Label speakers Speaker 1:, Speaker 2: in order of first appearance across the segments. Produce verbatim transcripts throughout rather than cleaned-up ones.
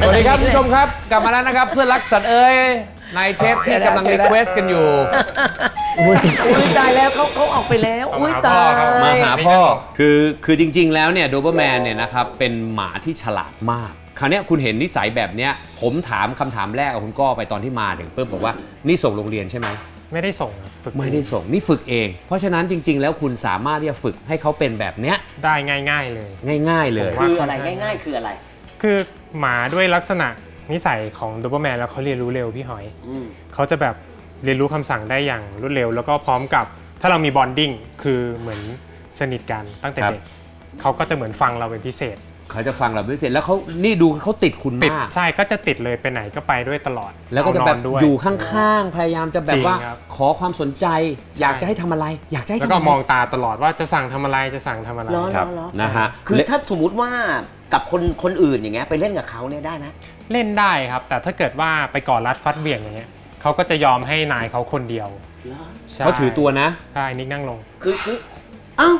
Speaker 1: สวัสดีครับผู้ชมครับกลับมาแล้วนะครับเพื่อนรักสัตว์เอ้ยในเทปที่กำลังรีเควสกันอยู่
Speaker 2: อุ้ยตายแล้วเขาเขาออกไปแล้วอุ้ยตาย
Speaker 1: มาหาพ่อคือคือจริงๆแล้วเนี่ยโดเบอร์แมนเนี่ยนะครับเป็นหมาที่ฉลาดมากคราวนี้คุณเห็นนิสัยแบบเนี้ยผมถามคำถามแรกกับคุณก้อไปตอนที่มาถึงปุ๊บบอกว่านี่ส่งโรงเรียนใช่ไหม
Speaker 3: ไม่ได้ส่งฝึก
Speaker 1: ไม่ได้ส่งนี่ฝึกเองเพราะฉะนั้นจริงๆแล้วคุณสามารถที่จะฝึกให้เขาเป็นแบบเนี้ย
Speaker 3: ได้ง่ายๆเลย
Speaker 1: ง่ายๆเลย
Speaker 2: คืออะไรง่ายๆคืออะไร
Speaker 3: คือหมาด้วยลักษณะนิสัยของโดเบอร์แมนแล้วเขาเรียนรู้เร็วพี่หอยเขาจะแบบเรียนรู้คำสั่งได้อย่างรวดเร็วแล้วก็พร้อมกับถ้าเรามีบอนดิ้งคือเหมือนสนิทกันตั้งแต่เด็กเขาก็จะเหมือนฟังเราเป็นพิเศษ
Speaker 1: เขาจะฟังเราพิเศษแล้วเขานี่ดูเขาติดคุณมาก
Speaker 3: ใช่ก็จะติดเลยไปไหนก็ไปด้วยตลอด
Speaker 1: แล้วก็จะแบบอยู่ข้างๆพยายามจะแบบว่าขอความสนใจอยากจะให้ทำอะไรอยากจะให้
Speaker 3: แล้วก็มองตาตลอดว่าจะสั่งทำอะไรจะสั่งทำอะไร
Speaker 2: ครับ
Speaker 1: นะฮะ
Speaker 2: คือถ้าสมมุติว่ากับคนคนอื่นอย่างเงี้ยไปเล่นกับเขาเนี่ยได้ไหม
Speaker 3: เล่นได้ครับแต่ถ้าเกิดว่าไปก่อรัดฟัดเบี่ยงอย่างเงี้ยเขาก็จะยอมให้นายเขาคนเดียว
Speaker 1: เขาถือตัวนะ
Speaker 3: ใช่นิกนั่งลง
Speaker 2: คือคือเอ้า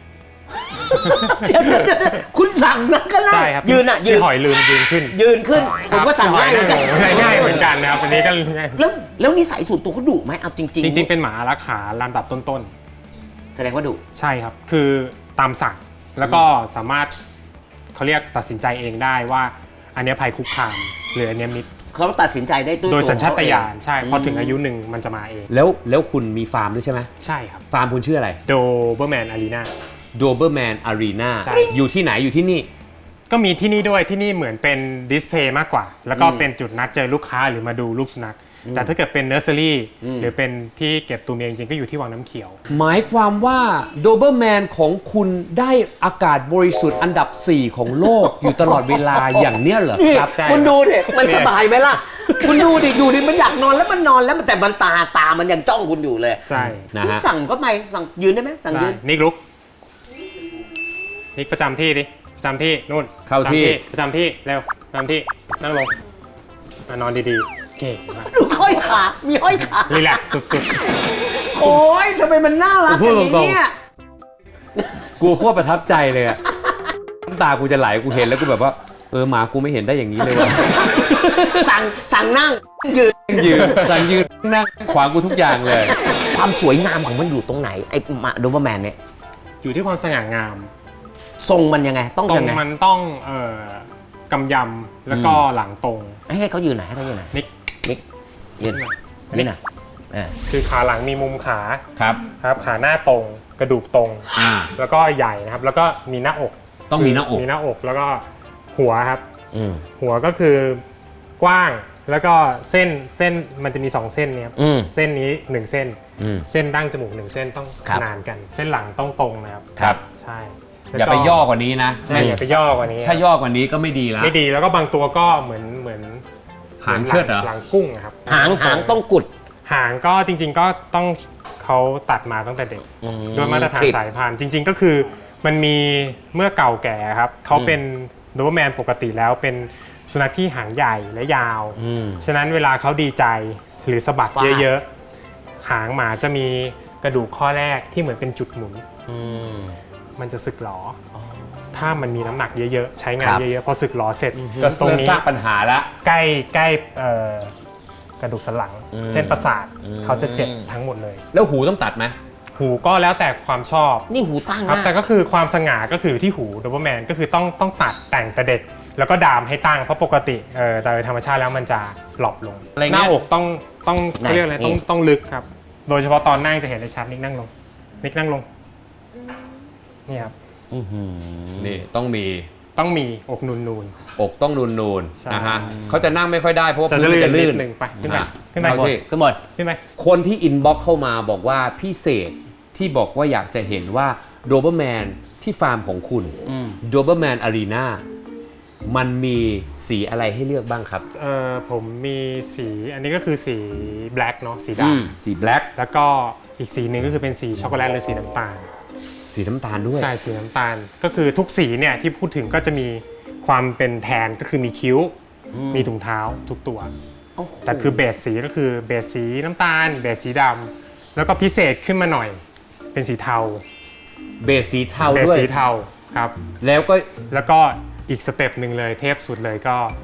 Speaker 2: คุณสั่งนะก็ไล่ยืนอ่ะยืน
Speaker 3: หอยลืมยืนขึ้น
Speaker 2: ยืนขึ้นผมก็สั่งง่ายเหมือนกัน
Speaker 3: ง่ายเหมือนกันนะครับอันนี้ก็ง่าย
Speaker 2: แล้วแล้วนิสัยส่วนตัวเขาดุไหมเอาจริงจริง
Speaker 3: จริงๆเป็นหมาอารักขาลำดับต้น
Speaker 2: ๆแสดงว่าดุ
Speaker 3: ใช่ครับคือตามสั่งแล้วก็สามารถเขาเรียกตัดสินใจเองได้ว่าอันนี้ภัยคุกคามหรืออันนี้มิตร
Speaker 2: เขาตัดสินใจได้ด้วย
Speaker 3: โดยสัญชาตญาณใช่พอถึงอายุหนึ่งมันจะมาเอง
Speaker 1: แล้วแล้วคุณมีฟาร์มด้วยใช่ไหม
Speaker 3: ใช่ครับ
Speaker 1: ฟาร์มคุณชื่ออะไร
Speaker 3: โดเบอร์แมนอารีนา
Speaker 1: โดเบอร์แมนอารีนาอยู่ที่ไหนอยู่ที่นี่
Speaker 3: ก็มีที่นี่ด้วยที่นี่เหมือนเป็นดิสเพลย์มากกว่าแล้วก็เป็นจุดนัดเจอลูกค้าหรือมาดูลูกสุนัขแต่ถ้าเกิดเป็นเนอร์เซอรี่หรือเป็นที่เก็บตัวเมียจริงๆก็อยู่ที่วังน้ำเขียว
Speaker 1: หมายความว่าโดเบอร์แมนของคุณได้อากาศบริสุทธิ์อันดับสี่ของโลกอยู่ตลอดเวลาอย่างเนี้ยเหรอครับ
Speaker 2: คุณดูดิมันสบายไหมล่ะคุณดูดิอยู่ดิมันอยากนอนแล้วมันนอนแล้วแต่มันตาตามันยังจ้องคุณอยู่เลย
Speaker 3: ใช่
Speaker 1: นะฮะ
Speaker 2: สั่งก็ไปสั่งยืนได้ไหมสั่งยืน
Speaker 3: นิกลุกนิกประจำที่ดิประจำที่นู่น
Speaker 1: เข้าที่
Speaker 3: ประจำที่เร็วประจำที่นั่งลงนอนดีๆเก่งมาก
Speaker 2: ดูห้อยขามีห้อยขา
Speaker 3: รีแลกซ์สุด
Speaker 2: ๆโอ้ยทำไมมันน่ารักอย่างนี้เนี่ย
Speaker 1: กูโคตรประทับใจเลยอะน้ำตากูจะไหลกูเห็นแล้วกูแบบว่าเออหมากูไม่เห็นได้อย่างนี้เลยว่ะ
Speaker 2: สั่งสั่งนั่งยืน
Speaker 1: ยืนสั่งยืนนั่งขวางกูทุกอย่างเลย
Speaker 2: ความสวยงามของมันอยู่ตรงไหนไอ้หมาโดเบอร์แมนเนี่ย
Speaker 3: อยู่ที่ความสง่างาม
Speaker 2: ทรงมันยังไงต้องยังไง
Speaker 3: มันต้องเอ่อกำยำแล้วก็หลังตรง
Speaker 2: ให้เขายืนไหนให้เขายืนไหน
Speaker 3: นิก
Speaker 2: นิกยืนยืนไหน
Speaker 3: คือขาหลังมีมุมขา
Speaker 1: ครับ
Speaker 3: ครับขาหน้าตรงกระดูกตรงแล้วก็ใหญ่นะครับแล้วก็มีหน้าอก
Speaker 1: ต้องมีหน้าอก
Speaker 3: มีหน้าอกแล้วก็หัวครับหัวก็คือกว้างแล้วก็เส้นเส้นมันจะมีสองเส้นเนี่ยเส้นนี้หนึ่งเส้นเส้นดั้งจมูกหนึ่งเส้นต้องขนานกันเส้นหลังต้องตรงนะครับ
Speaker 1: ครับ
Speaker 3: ใช่
Speaker 1: อย่าไปย่อกว่านี้นะ
Speaker 3: อย่าไปย่อกว่านี้
Speaker 1: ถ้าย่อกว่านี้ก็ไม่ดีแล้ว
Speaker 3: ไม่ดีแล้วก็บางตัวก็เหมือนเหมือน
Speaker 1: หางเชิดเหรอ
Speaker 3: หลังกุ้งครับ
Speaker 2: หางหางต้องกุด
Speaker 3: หางก็จริงๆก็ต้องเขาตัดมาตั้งแต่เด็กโดยมาตรฐานสายพันธุ์จริงๆก็คือมันมีเมื่อเก่าแก่ครับเขาเป็นโดเบอร์แมนปกติแล้วเป็นสุนัขที่หางใหญ่และยาวฉะนั้นเวลาเขาดีใจหรือสะบัดเยอะๆหางหมาจะมีกระดูกข้อแรกที่เหมือนเป็นจุดหมุนมันจะสึกหรอถ้ามันมีน้ำหนักเยอะๆใช้งานเยอะๆพอสึกหรอเสร็จ
Speaker 1: ก็ตรงนี้สร้างปัญหาละ
Speaker 3: ใกล้ใกล้กระดูกสันหลังเส้นประสาทเขาจะเจ็บทั้งหมดเลย
Speaker 1: แล้วหูต้องตัดไหม
Speaker 3: หูก็แล้วแต่ความชอบ
Speaker 2: นี่หูตั้ง
Speaker 3: ครับแต่ก็คือความสง่าก็คือที่หูโดเบอร์แมนก็คือต้องต้องตัดแต่งแต่เด็กแล้วก็ดามให้ตั้งเพราะปกติเออโดยธรรมชาติแล้วมันจะหลบลงหน้าอกต้องต้องเขาเรียกอะไรต้องต้องลึกครับโดยเฉพาะตอนนั่งจะเห็นได้ชัดนิกนั่งลงนิกนั่งลงนี่ครับ
Speaker 1: นี่ต้องมี
Speaker 3: ต้องมีอกนูนนูน
Speaker 1: อกต้องนูนนูนนะฮะเขาจะนั่งไม่ค่อยได้เพราะว่าพื้นจะลื่น
Speaker 3: หนึ่งไปขึ้นไปขึ้นไป
Speaker 1: ขึ้นหมด
Speaker 3: ขึ้นไป
Speaker 1: คนที่อินบ็อกเข้ามาบอกว่าพิเศษที่บอกว่าอยากจะเห็นว่าโดเบอร์แมนที่ฟาร์มของคุณโดเบอร์แมนอารีนามันมีสีอะไรให้เลือกบ้างครับ
Speaker 3: เอ่อผมมีสีอันนี้ก็คือสีแบล็กเนาะสีด
Speaker 1: ำสีแบล็ก
Speaker 3: แล้วก็อีกสีหนึ่งก็คือเป็นสีช็อกโกแลตหรือสีน้ำตาล
Speaker 1: สีน้ำตาลด้วย
Speaker 3: ใช่สีน้ำตาลก็คือทุกสีเนี่ยที่พูดถึงก็จะมีความเป็นแทนก็คือมีคิ้วมีถุงเท้าทุกตัวแต่คือเบสสีก็คือเบสสีน้ำตาลเบสสีดำแล้วก็พิเศษขึ้นมาหน่อยเป็นสีเทา
Speaker 1: เบสสีเทาด้วย
Speaker 3: เบสสีเทาครับ
Speaker 1: แล้วก็
Speaker 3: แล้วก็อีกสเต็ปหนึ่งเลยเทพสุดเลยก็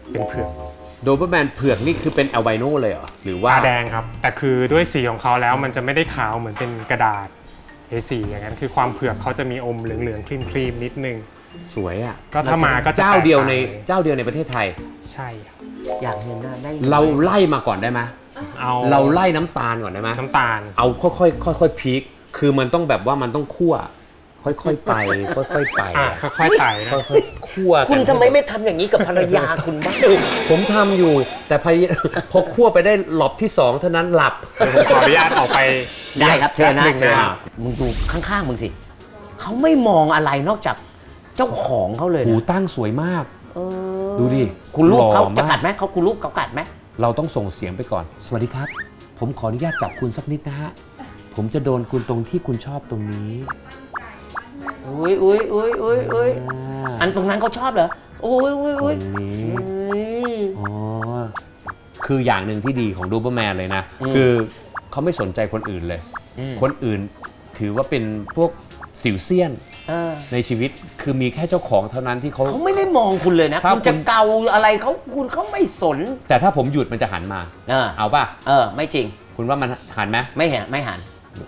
Speaker 3: เป็นเผือก
Speaker 1: โดเบอร์แมนเผือกนี่คือเป็นอัลไบโนเลยเหรอหรือว่า
Speaker 3: ตาแดงครับ แต่คือด้วยสีของเขาแล้วมันจะไม่ได้ขาวเหมือนเป็นกระดาษ เอ โฟร์ อย่างนั้นคือความเผือกเขาจะมีอมเหลืองๆครีมๆนิดนึง
Speaker 1: สวยอ่ะ
Speaker 3: ก็ถ้ามาก็จะ
Speaker 1: เจ้าเดียวใน
Speaker 3: แตกต่างเลย
Speaker 1: เจ้าเดียวในประเทศไทย
Speaker 3: ใช่ครับ
Speaker 2: อยากเห็นหน้าได้
Speaker 1: เราไล่มาก่อนได้ไหม
Speaker 3: เอา
Speaker 1: เราไล่น้ำตาลก่อนได้ไหม
Speaker 3: น้ำตาล
Speaker 1: เอาค่อยๆค่อยๆพีคคือมันต้องแบบว่ามันต้องคั่ว ค่อยๆไป ค่อยๆไป
Speaker 3: อ่ะค่อยๆใส่นะ
Speaker 1: ค่อยๆคั่วกัน
Speaker 2: คุณทำไมไม่ทำอย่างนี้กับภรรยาคุณบ้าง
Speaker 1: ผมทำอยู่ แต่พอ พอคั่วไปได้หลอบที่สองเท่านั้นหลับ
Speaker 3: เดี๋ยวผมขออนุญาตออกไป
Speaker 2: ได้ครับเชิญนะ
Speaker 3: หนึ่ง
Speaker 2: เชิญ
Speaker 3: นะ
Speaker 2: นะมึงดูข้างๆมึงสิเขาไม่มองอะไรนอกจากเจ้าของเขาเลย
Speaker 1: หู
Speaker 2: นะ
Speaker 1: ตั้งสวยมาก
Speaker 2: เออ
Speaker 1: ดูดิ
Speaker 2: คุณลูกเขา
Speaker 1: หล่อม
Speaker 2: จะกัดไหมเขาคุณลูกเขากัดไหม
Speaker 1: เราต้องส่งเสียงไปก่อน สวัสดีครับ ผมขออนุญาตจับคุณสักนิดนะฮะ ผมจะโดนคุณตรงที่คุณชอบตรงนี้
Speaker 2: อุ้ยอุ้ยอุ้ยอุ้ยอุ้ย
Speaker 1: อ่า
Speaker 2: อันตรงนั้นเขาชอบเหรออุ้ยอุ้ย
Speaker 1: ตร
Speaker 2: อุ้ย
Speaker 1: งนี้
Speaker 2: อุ้ย
Speaker 1: อ๋อ คืออย่างหนึ่งที่ดีของดูเปอร์แมนเลยนะ
Speaker 2: อืม
Speaker 1: คือเขาไม่สนใจคนอื่นเลย
Speaker 2: อืม
Speaker 1: คนอื่นถือว่าเป็นพวกสิวเซียน
Speaker 2: เออ
Speaker 1: ในชีวิต คือมีแค่เจ้าของเท่านั้นที่เขา
Speaker 2: เขาไม่ได้มองคุณเลยนะ
Speaker 1: ถ้า
Speaker 2: คุณจะ
Speaker 1: คุณ
Speaker 2: เกาอะไรเขาคุณเขาไม่สน
Speaker 1: แต่ถ้าผมหยุดมันจะหันมา
Speaker 2: เออ
Speaker 1: เอาป่ะ
Speaker 2: เออไม่จริง
Speaker 1: คุณว่ามันหันไหม
Speaker 2: ไม่เห็นไม่หัน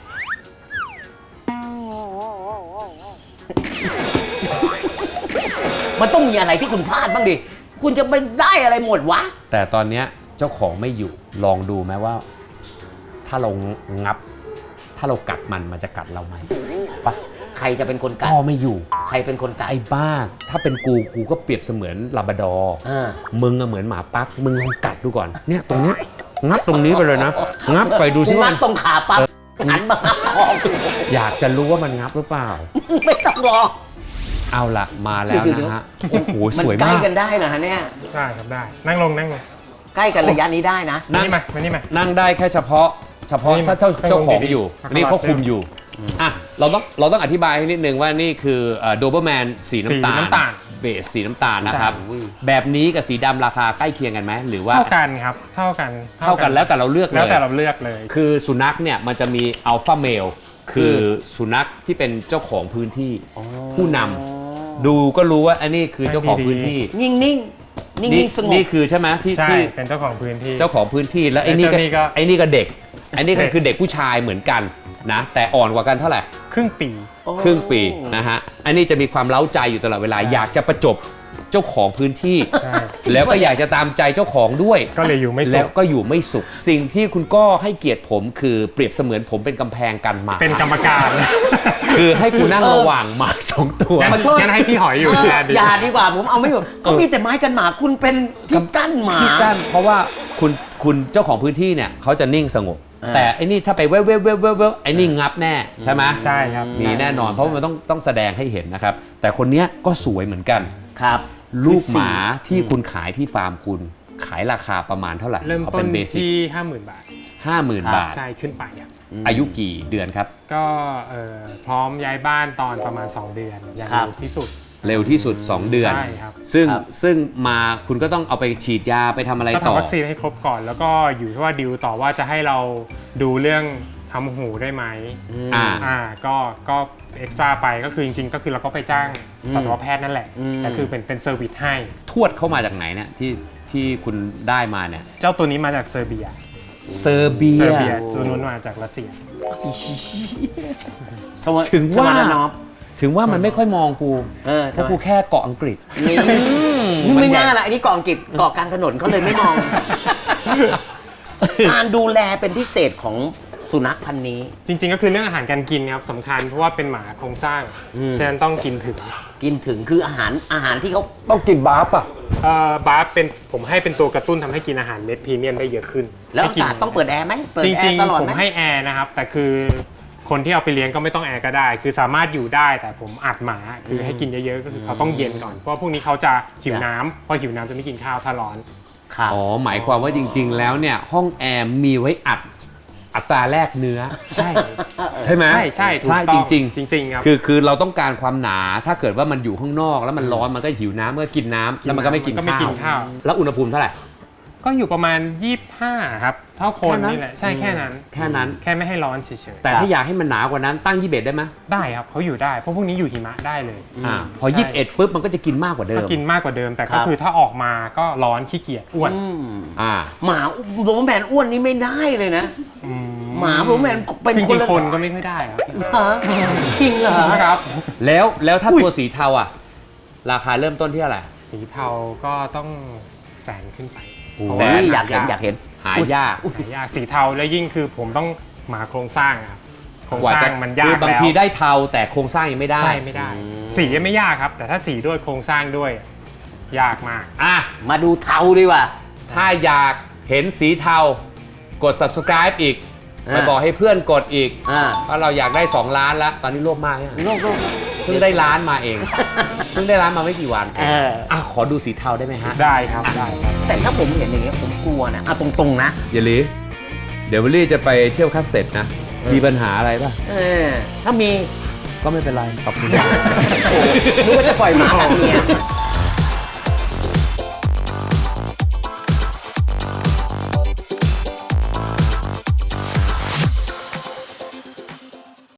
Speaker 2: มันต้องมีอะไรที่คุณพลาดบ้างดิ คุณจะไปได้อะไรหมดวะ
Speaker 1: แต่ตอนเนี้ยเจ้าของไม่อยู่ ลองดูไหมว่า ถ้าเรางับ ถ้าเรากัดมันมันจะกัดเราไหมปะ
Speaker 2: ใครจะเป็นคนกัด
Speaker 1: ก็ไม่อยู่
Speaker 2: ใครเป็นคนกัด
Speaker 1: ไอ้บ้า ถ้าเป็นกูกูก็เปรียบเสมือนลาบราดอร์
Speaker 2: เออ
Speaker 1: มึงอะเหมือนหมาปักมึงลองกัดดูก่อน เนี่ยตรงเนี้ยงับตรงนี้ไปเลยนะ งับไปดูซิ
Speaker 2: คุณ
Speaker 1: ว่า
Speaker 2: นัดตรงขาปั๊บหันมาหาคอคุณ
Speaker 1: อยากจะรู้ว่ามันงับหรือเปล่า
Speaker 2: ไม่ต้องรอ
Speaker 1: เอาละมาแล้วนะฮะ โอ้โห
Speaker 2: มั
Speaker 1: สวย
Speaker 2: ใกล้
Speaker 1: มาก
Speaker 2: กันได้นะฮะเนี่ย
Speaker 3: ได้ครับได้ นั่งลงนั่งลง
Speaker 2: ใกล้กันระยะนี้ได้นะ
Speaker 1: นั่ง
Speaker 3: นี่มามานี่มา
Speaker 1: นั่งได้แค่เฉพาะ เฉพาะ
Speaker 3: นี่
Speaker 1: ถ้าเจ้า
Speaker 3: ให้
Speaker 1: เจ้าของ
Speaker 3: ลงดีๆ
Speaker 1: อยู่
Speaker 3: ให้
Speaker 1: อันนี้เขา
Speaker 3: เขา
Speaker 1: คุมอยู่อ่ะเราต้องเราต้องอธิบายให้นิดนึงว่านี่คือโดเบอร์แมนสีน้ำตาล
Speaker 3: สีน้ำตาล
Speaker 1: เบสสีน้ำตาลนะครับ
Speaker 2: ใช่อุ้ย
Speaker 1: แบบนี้กับสีดำราคาใกล้เคียงกันไหมหรือว่า
Speaker 3: เท่ากันครับ เท่ากัน
Speaker 1: เท่ากันแล้วแต่เราเลือกเล
Speaker 3: แล้ว
Speaker 1: ย
Speaker 3: แต่เราเลือกเลย
Speaker 1: คือสุนัขเนี่ยมันจะมีอัลฟาเมลคือสุนัขที่เป็นเจ้าของพื้นที่ ผู้นำดูก็รู้ว่าอันนี้คือเจ้าของพื้นที่
Speaker 2: นิ่งนิ่งนิ่ง
Speaker 1: นี่
Speaker 2: นิ่งสงบ
Speaker 1: นี่คือใช่ไหมที่
Speaker 3: ใช่
Speaker 1: ที่
Speaker 3: เป็นเจ้าของพื้นที่
Speaker 1: เจ้าของพื้นที่แล้วไอ้นี่
Speaker 3: ไอ้เจ้านี่ก็
Speaker 1: ก็ไอ้นี่ก็เด็กไอ้นี่ก็
Speaker 3: เด็ก
Speaker 1: คือเด็กผู้ชายเหมือนกันนะแต่อ่อนกว่ากันเท่าไหร่
Speaker 3: ครึ่งปี
Speaker 1: ครึ่งปีนะฮะอันนี้จะมีความเล้าใจอยู่ตลอดเวลา
Speaker 3: ใช่
Speaker 1: อยากจะประจบเจ้าของพื้นที่
Speaker 3: ใช่
Speaker 1: แล้วก็อยากจะตามใจเจ้าของด้วย
Speaker 3: ก็เลยอยู่ไม่สุ
Speaker 1: แล้ว
Speaker 3: ข
Speaker 1: ก็อยู่ไม่สุข สิ่งที่คุณก็ให้เกียรติผมคือเปรียบเสมือนผมเป็นกำแพงกันหมา
Speaker 3: เป็นกรรมการ
Speaker 1: คือให้กูนั่งระหว่างหมาสองตัว
Speaker 3: งั้น
Speaker 2: ขอโทษ
Speaker 3: งั้นให้พี่หอยอยู่
Speaker 2: เออ
Speaker 3: แทนดี
Speaker 2: อย่าดีกว่าผมเอาไม่อยู่เขามีแต่ไม้กันหมาคุณเป็นที่กั้นหมา
Speaker 1: ที่กั้นเพราะว่าคุณคุณเจ้าของพื้นที่เนี่ยเขาจะนิ่งสงบ
Speaker 2: อ่า
Speaker 1: แต่ไอ้นี่ถ้าไปเว้ยเว้ยเว้ยเว้ยเว้ยไอ้นี่งับแน่ใช่ไหม
Speaker 3: ใช่ครับ
Speaker 1: มีแน่นอนเพราะว่ามันต้องต้องแสดงให้เห็นนะครับ แต่คนเนี้ยก็สวยเหมือนกัน
Speaker 2: ครับ
Speaker 1: ลูกหมาที่คุณขายที่ฟาร์มคุณขายราคาประมาณเท่าไหร่
Speaker 3: เริ่ม
Speaker 1: เอา
Speaker 3: ต้
Speaker 1: เป็น นเบสิก
Speaker 3: ที่ห้าหมื่นบาท
Speaker 1: ห้าหมื่นบาท
Speaker 3: ใช่ขึ้นไปครับ
Speaker 1: อายุกี่เดือนครับ
Speaker 3: ก็เอ่อพร้อมย้ายบ้านตอนประมาณ สอง เดือนอย่าง
Speaker 2: ครับ
Speaker 3: เร็วที่สุด
Speaker 1: เร็วที่สุด สอง เดือน
Speaker 3: ใช่ครับ
Speaker 1: ซึ่ง
Speaker 2: ครับ
Speaker 1: ซึ่งมาคุณก็ต้องเอาไปฉีดยาไปทำอะไร
Speaker 3: ก็
Speaker 1: ต่อ
Speaker 3: ทำวัคซีนให้ครบก่อน แล้วก็อยู่ที่ว่าดิวต่อว่าจะให้เราดูเรื่องทำหูได้ไหม
Speaker 1: อ่า
Speaker 3: อ่าก็ก็เอ็กซ์ตร้าไปก็คือจริงๆ ก็คือเราก็ไปจ้างสัตวแพทย์นั่นแหละ
Speaker 2: อืม
Speaker 3: แต่คือเป็นเป็นเซอร์วิสให้
Speaker 1: ทวดเข้ามาจากไหนเนี่ยที่ที่คุณได้มาเนี่ย
Speaker 3: เจ้าตัวนี้มาจากเซอร์เบีย
Speaker 1: เซอร์เบีย
Speaker 3: เซอร์เบียตัวนู้นมาจากรัสเซีย
Speaker 2: สวัส
Speaker 1: ถึงว่า
Speaker 2: สวัสดีน้อง
Speaker 1: ถึงว่ามันไม่ค่อยมองกู
Speaker 2: เออ
Speaker 1: เพราะกูแค่เกาะอังกฤษ
Speaker 2: นี่นี่ไม่น่าละอันนี้เกาะอังกฤษเกาะกลางถนนเขาเลยไม่มอง การดูแลเป็นพิเศษของสุนัขพันธุ์นี้
Speaker 3: จริงๆ ก็คือเรื่องอาหารการกินครับสำคัญเพราะว่าเป็นหมาโครงสร้าง
Speaker 2: อืม
Speaker 3: ฉะนั้นต้องกินถึง
Speaker 2: กินถึงคืออาหารอาหารที่เขา
Speaker 1: ต้องกินบาร์ป่ะ
Speaker 3: เอ่อบาร์เป็นผมให้เป็นตัวกระตุ้นทำให้กินอาหารเม็ดพรีเมียมได้เยอะขึ้น
Speaker 2: แล้ว
Speaker 3: ให้
Speaker 2: อากาศต้องเปิดแอร์ไหมเปิด
Speaker 3: จ
Speaker 2: แอ
Speaker 3: ริง
Speaker 2: ร์ตลอด
Speaker 3: ๆ ผม
Speaker 2: ไหม
Speaker 3: ให้แอร์นะครับ แต่คือคนที่เอาไปเลี้ยงก็ไม่ต้องแอร์ก็ได้ คือสามารถอยู่ได้แต่ผมอัดหมาคือให้กินเยอะๆก็คือเขาต้องเย็นก่อนเพราะว่าพวกนี้เขาจะหิวน้ำพอหิวน้ำจะไม่กินข้าวถ้าร้อน
Speaker 2: ครับ
Speaker 1: อ๋อ หมายความว่าจริง ๆ แล้วเนี่ยห้องแอร์มีไว้อัดอัตราแลกเนื้อ
Speaker 3: ใช่
Speaker 1: ใช่ไหม
Speaker 3: ใช่ใช่ถูก
Speaker 1: ใช่
Speaker 3: ต้
Speaker 1: จ
Speaker 3: อง
Speaker 1: ริง
Speaker 3: จริงๆครับ
Speaker 1: ๆ คือคือเราต้องการความหนาถ้าเกิดว่ามันอยู่ข้างนอกแล้วมันร้อนมันก็หิวน้ำมันก็กินน้ำแล้วมันก็ไม่กิน
Speaker 3: ก็ไม่กินข้าว
Speaker 1: แล้วอุณหภูมิเท่าไหร่
Speaker 3: กก็อยู่ประมาณยี่สิบห้าครับเท่าคน
Speaker 1: แค่นั้น
Speaker 3: นี่แหละใช่แค่นั้น
Speaker 1: แค่นั้น
Speaker 3: แค่ไม่ให้ร้อนเฉย
Speaker 1: แต่ถ้าอยากให้มันหนากว่านั้นตั้งยี่สิบเอ็ดได้ไหม
Speaker 3: ๆได้ครับเขาอยู่ได้เพราะพวกนี้อยู่หิมะได้เลย
Speaker 1: อ่าพอ
Speaker 3: ใช่
Speaker 1: ยี่สิบเอ็ดปุ๊บมันก็จะกินมากกว่าเดิ
Speaker 3: ก็
Speaker 1: ม
Speaker 3: กินมากกว่าเดิมแต่
Speaker 2: ครั
Speaker 3: ก็
Speaker 2: บ
Speaker 3: คือถ้าออกมาก็ร้อนขี้เกียจอ้วน
Speaker 2: อืม
Speaker 1: อ่า
Speaker 2: หมาโดเบอร์แมนอ้วนนี่ไม่ได้เลยนะ
Speaker 3: อื
Speaker 2: หมาโดเบอร์แมนเป็น
Speaker 3: จ
Speaker 2: คน
Speaker 3: ริง
Speaker 2: ละ
Speaker 3: ๆคนก็ไม่ค่อยได้ครับ
Speaker 2: ฮะจริงเหรอ
Speaker 3: ครับ
Speaker 1: แล้วแล้วถ้า
Speaker 2: อุ้ย
Speaker 1: ตัวสีเทาอ่ะ ราคาเริ่มต้นที่เท่าไหร่
Speaker 3: สีเทาก็ต้องแสนขึ้นไป
Speaker 2: โอ้
Speaker 1: แสน
Speaker 2: ยอยากเห็นอยากเห็น
Speaker 1: หายาก
Speaker 3: หายากสีเทาและยิ่งคือผมต้องหมาโครงสร้างอะครับโครง
Speaker 1: กว่า
Speaker 3: สร้า
Speaker 1: จะ
Speaker 3: งมันยา
Speaker 1: คื
Speaker 3: ก
Speaker 1: อบาง
Speaker 3: แล้ว
Speaker 1: ทีได้เทาแต่โครงสร้างยังไม่ได้
Speaker 3: ใช่ไม่ได้ สียังไม่ยากครับ แต่ถ้าสีด้วยโครงสร้างด้วย ยากมาก
Speaker 1: อ่ะ
Speaker 2: มาดูเทาดีกว่า
Speaker 1: ถ้าอยากเห็นสีเทากด subscribe อีก
Speaker 2: อ่า
Speaker 1: ไปบอกให้เพื่อนกดอีก
Speaker 2: อ่า
Speaker 1: ว่าเราอยากได้ สอง ล้านแล้ว ตอนนี้โลภมากเนี่ย
Speaker 2: โลกโลก
Speaker 1: เพิ่งได้ล้านมาเอง เพิ่งได้ล้านมาไม่กี่วัน
Speaker 2: เออ
Speaker 1: อ่ะขอดูสีเทาได้ไหมฮะ
Speaker 3: ได้ครับได้ครับ
Speaker 2: แต่ถ้าผมเห็นอย่างเงี้ยผมกลัวนะเอาตรงๆนะ
Speaker 1: อย่าลีเดี๋ยววิลลี่จะไปเที่ยวคัสเซ็ตนะ มีปัญหาอะไรป่ะ
Speaker 2: เออถ้ามี
Speaker 1: ก็ไม่เป็นไร ขอบคุณ
Speaker 2: โอ้นึกว่าจะปล่อยหมาแบบเนี้ย